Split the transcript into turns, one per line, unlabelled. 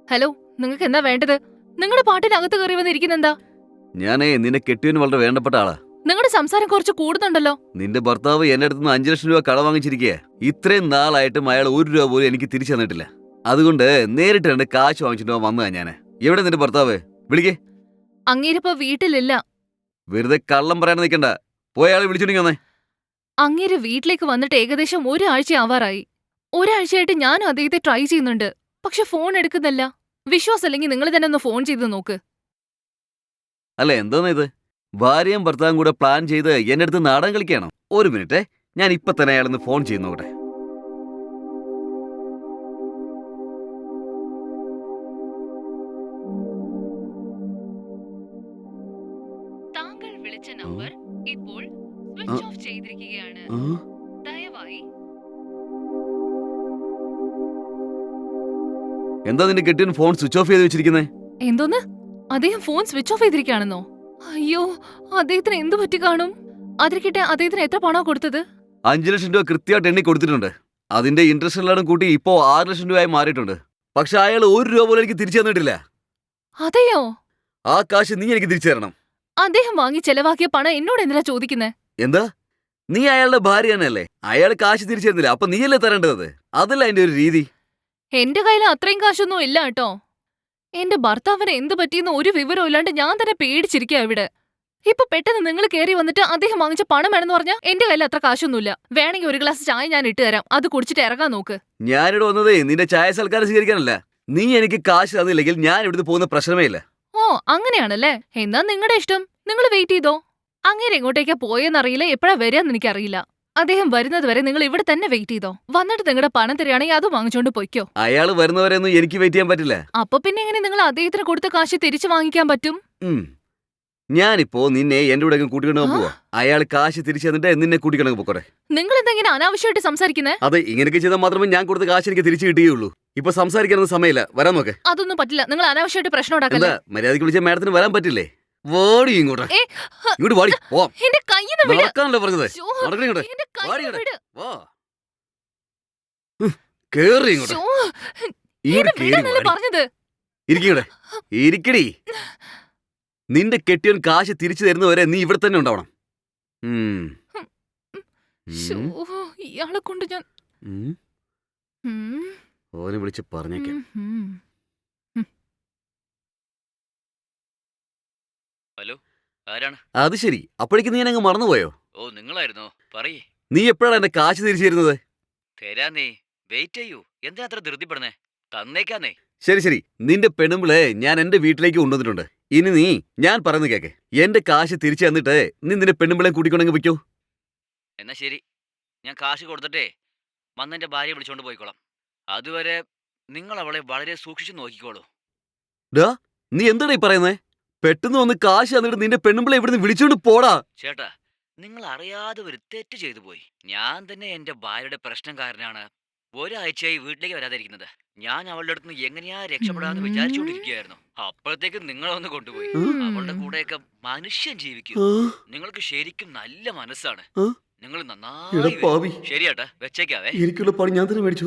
Hello, നിങ്ങൾക്ക് എന്താ വേണ്ടത്? നിങ്ങളുടെ പാട്ടിനകത്ത് കയറി വന്നിരിക്കുന്നെന്താ?
ഞാനേ നിന്നെ കെട്ടിയവന് വളരെ വേണ്ടപ്പെട്ട ആളാ.
നിങ്ങളുടെ സംസാരം കുറച്ച് കൂടുന്നുണ്ടല്ലോ.
നിന്റെ ഭർത്താവ് എന്റെ അടുത്ത് നിന്ന് 5 ലക്ഷം രൂപ കട വാങ്ങിച്ചിരിക്കുക. ഇത്രയും നാളായിട്ടും അയാൾ 1 രൂപ പോലും എനിക്ക് തിരിച്ചു തന്നിട്ടില്ല. അതുകൊണ്ട് നേരിട്ട് രണ്ട് കാശ് വാങ്ങിച്ചിട്ട് വന്നതാ ഞാന്. എവിടെ നിന്റെ ഭർത്താവ്? വിളിക്കേ.
അങ്ങേരിപ്പോ വീട്ടിലില്ല.
വെറുതെ കള്ളം പറയാൻ നിൽക്കണ്ട. പോയ ആളെ വിളിച്ചിട്ടുണ്ടെങ്കിൽ വന്നേ.
അങ്ങേര് വീട്ടിലേക്ക് വന്നിട്ട് ഏകദേശം ഒരാഴ്ച ആവാറായി. ഒരാഴ്ചയായിട്ട് ഞാനും അദ്ദേഹത്തെ ട്രൈ ചെയ്യുന്നുണ്ട്. പക്ഷെ ഫോൺ എടുക്കുന്നില്ല. വിശ്വാസമില്ലെങ്കിൽ നിങ്ങൾ തന്നെ ഒന്ന് ഫോൺ ചെയ്ത് നോക്ക്.
അല്ല, എന്താന്ന് ഇത്? ഭാര്യയും ഭർത്താവും കൂടെ പ്ലാൻ ചെയ്ത് എന്റെ അടുത്ത് നാടകം കളിക്കുകയാണോ? ഒരു മിനിറ്റ്, ഞാൻ ഇപ്പൊ തന്നെ അയാളൊന്ന് ഫോൺ ചെയ്ത് നോക്കട്ടെ.
താങ്കൾ വിളിച്ച നമ്പർ ഇപ്പോൾ സ്വിച്ച് ഓഫ് ചെയ്തിരിക്കുകയാണ്. ദയവായി
എന്താ നിന്റെ കെട്ടിയൻ ഫോൺ സ്വിച്ച് ഓഫ് ചെയ്ത് വെച്ചിരിക്കുന്നേ?
എന്തോന്ന്? അദ്ദേഹം ഫോൺ സ്വിച്ച് ഓഫ് ചെയ്തിരിക്കുകയാണെന്നോ? അയ്യോ, അദ്ദേഹത്തിന് എന്തു പറ്റി കാണും? അതിരിക്കട്ടെ, അദ്ദേഹത്തിന് എത്ര പണോ കൊടുത്തത്?
5 ലക്ഷം രൂപ കൃത്യമായിട്ട് എണ്ണി കൊടുത്തിട്ടുണ്ട്. അതിന്റെ ഇൻട്രസ്റ്റ് എല്ലാം കൂട്ടി ഇപ്പോ 6 ലക്ഷം രൂപയായി മാറിയിട്ടുണ്ട്. പക്ഷെ അയാൾ 1 രൂപ പോലും എനിക്ക് തിരിച്ചു തന്നിട്ടില്ല.
അതെയോ?
ആ കാശ് നീ എനിക്ക് തിരിച്ചു തരണം.
അദ്ദേഹം വാങ്ങി ചെലവാക്കിയ പണം എന്നോട് എന്തിനാ ചോദിക്കുന്നേ?
എന്താ? നീ അയാളുടെ ഭാര്യ തന്നെയല്ലേ? അയാൾ കാശ് തിരിച്ചു തരുന്നില്ല, അപ്പൊ നീയല്ലേ തരേണ്ടത്? അതല്ല അതിന്റെ ഒരു രീതി.
എന്റെ കയ്യിൽ അത്രയും കാശൊന്നും ഇല്ല കേട്ടോ. എന്റെ ഭർത്താവിന് എന്ത് പറ്റിയെന്ന് ഒരു വിവരവും ഇല്ലാണ്ട് ഞാൻ തന്നെ പേടിച്ചിരിക്കുക ഇവിടെ. ഇപ്പൊ പെട്ടെന്ന് നിങ്ങൾ കയറി വന്നിട്ട് അദ്ദേഹം വാങ്ങിച്ച പണം വേണമെന്ന് പറഞ്ഞാൽ എന്റെ കയ്യിൽ അത്ര കാശൊന്നുമില്ല. വേണമെങ്കിൽ ഒരു ഗ്ലാസ് ചായ ഞാൻ ഇട്ട് തരാം, അത് കുടിച്ചിട്ട് ഇറങ്ങാൻ നോക്ക്.
ഞാനിവിടെ വന്നതേ നിന്റെ ചായ സൽക്കാരം സ്വീകരിക്കാനല്ല. നീ എനിക്ക് കാശ് തന്നില്ലെങ്കിൽ ഞാൻ ഇവിടുന്ന് പോകുന്ന പ്രശ്നമേ ഇല്ല.
ഓ, അങ്ങനെയാണല്ലേ? എന്നാ നിങ്ങളുടെ ഇഷ്ടം. നിങ്ങൾ വെയിറ്റ് ചെയ്തോ. അങ്ങേര് എങ്ങോട്ടേക്കാ പോയെന്നറിയില്ല, എപ്പോഴാ വരികയെന്ന് എനിക്കറിയില്ല. അദ്ദേഹം വരുന്നത് വരെ നിങ്ങൾ ഇവിടെ തന്നെ വെയിറ്റ് ചെയ്തോ. വന്നിട്ട് നിങ്ങളുടെ പണം തരികയാണെങ്കിൽ അത് വാങ്ങിച്ചോണ്ട് പൊയ്ക്കോ.
അയാൾ വരുന്നവരെയൊന്നും എനിക്ക് വെയിറ്റ് ചെയ്യാൻ പറ്റില്ല.
അപ്പൊ പിന്നെ എങ്ങനെ നിങ്ങൾ അദ്ദേഹത്തിന് കൊടുത്ത കാശ് തിരിച്ചു വാങ്ങിക്കാൻ പറ്റും?
ഞാനിപ്പോ നിന്നെ എന്റെ കൂടെ കൂട്ടിക്കൊണ്ടു പോവാ. അയാൾ കാശ് തിരിച്ചു തന്നിട്ട് നിന്നെ കൂട്ടിക്കൊണ്ടു പോക്കോട്ടെ.
നിങ്ങൾ എന്തെങ്കിലും അനാവശ്യമായിട്ട് സംസാരിക്കുന്നേ?
അതെ, ഇങ്ങനെയൊക്കെ ചെയ്താൽ മാത്രമേ ഞാൻ കൊടുത്ത കാശ് എനിക്ക് തിരിച്ചു കിട്ടുകയുള്ളൂ. ഇപ്പൊ സംസാരിക്കാനൊന്നും സമയമില്ല, വരാൻ നോക്കെ.
അതൊന്നും പറ്റില്ല. നിങ്ങൾ അനാവശ്യമായിട്ട് പ്രശ്നം ഉണ്ടാക്കല്ലേ.
എന്താ മര്യാദയ്ക്ക് വിളിച്ച മാഡത്തിന് വരാൻ പറ്റില്ലേ? വാടി ഇങ്ങോട്ട്. ഇങ്ങോട്ട് വാടി.
എന്റെ കയ്യിന്ന് വിട്.
നടക്കാനല്ലേ പറഞ്ഞത്?
ശ്ശോ,
നടക്കണേ ഇങ്ങോട്ട്.
എന്റെ
വാടി
കയ്യിന്ന്
ഇങ്ങോട്ട്.
വിട്.
വാ. കേറി ഇങ്ങോട്ട്.
ശ്ശോ,
ഇങ്ങോട്ട്
എന്നെ
കേറി
വിടാനല്ലേ
വാടി.
പറഞ്ഞത്?
ഇരിക്കടെ. ഇരിക്കടി. നിന്റെ കെട്ടിയവൻ കാശ് തിരിച്ചു തരുന്നവരെ നീ ഇവിടെ തന്നെ ഉണ്ടാവണം.
ശ്ശോ, ഇയാളെ കൊണ്ട് ഞാൻ
ഓനെ വിളിച്ച് പറഞ്ഞേക്കാം.
ഹലോ, ആരാണ്?
അത് ശരി, അപ്പോഴേക്ക് നീ അങ്ങ് മറന്നുപോയോ?
ഓ, നിങ്ങളായിരുന്നോ? പറയേ.
നീ എപ്പോഴാണ് എന്റെ കാശ് തിരിച്ചു തരുന്നത്?
തരാന്നേ, വെയിറ്റ് ചെയ്യൂ. എന്തിനാ അത്ര ധൃതിപ്പെടുന്നേ? തന്നേക്കാന്നേ.
ശരി ശരി, നിന്റെ പെണ്ണുമ്പിളെ ഞാൻ എന്റെ വീട്ടിലേക്ക് കൊണ്ടുവന്നിട്ടുണ്ട്. ഇനി നീ ഞാൻ പറയുന്നത് കേക്ക്. എന്റെ കാശ് തിരിച്ചു തന്നിട്ട് നീ നിന്റെ പെണ്ണുമ്പിളെ കൂട്ടിക്കൊണ്ടെങ്കിൽ വയ്ക്കോ.
എന്നാ ശരി, ഞാൻ കാശ് കൊടുത്തിട്ടേ വന്നെന്റെ ഭാര്യയെ വിളിച്ചോണ്ട് പോയിക്കോളാം. അതുവരെ നിങ്ങൾ അവളെ വളരെ സൂക്ഷിച്ചു നോക്കിക്കോളൂ.
ഡാ, നീ എന്താടാ ഈ പറയുന്നേ? പെട്ടെന്ന് വന്ന് കാശ് തന്നിട്ട് നിന്റെ പെണ്ണുമ്പിളെ ഇവിടുന്ന് വിളിച്ചോണ്ട് പോടാ.
ചേട്ടാ, നിങ്ങൾ അറിയാതെ ഒരു തെറ്റ് ചെയ്തു പോയി. ഞാൻ തന്നെ എന്റെ ഭാര്യയുടെ പ്രശ്നം കാരനാണ് ഒരാഴ്ചയായി വീട്ടിലേക്ക് വരാതിരിക്കുന്നത്. ഞാൻ അവളുടെ അടുത്ത് നിന്ന് എങ്ങനെയാ രക്ഷപ്പെടാന്ന് വിചാരിച്ചുകൊണ്ടിരിക്കുകയായിരുന്നു. അപ്പോഴത്തേക്ക് നിങ്ങളൊന്ന് കൊണ്ടുപോയി. അവളുടെ കൂടെയൊക്കെ മനുഷ്യൻ ജീവിക്കും. നിങ്ങൾക്ക് ശരിക്കും നല്ല മനസ്സാണ്. നിങ്ങൾ നന്നായി. ശരിയാട്ടാ, വെച്ചേക്കാവേ.
എനിക്കുള്ള പണി ഞാൻ തന്നെ മേടിച്ചു.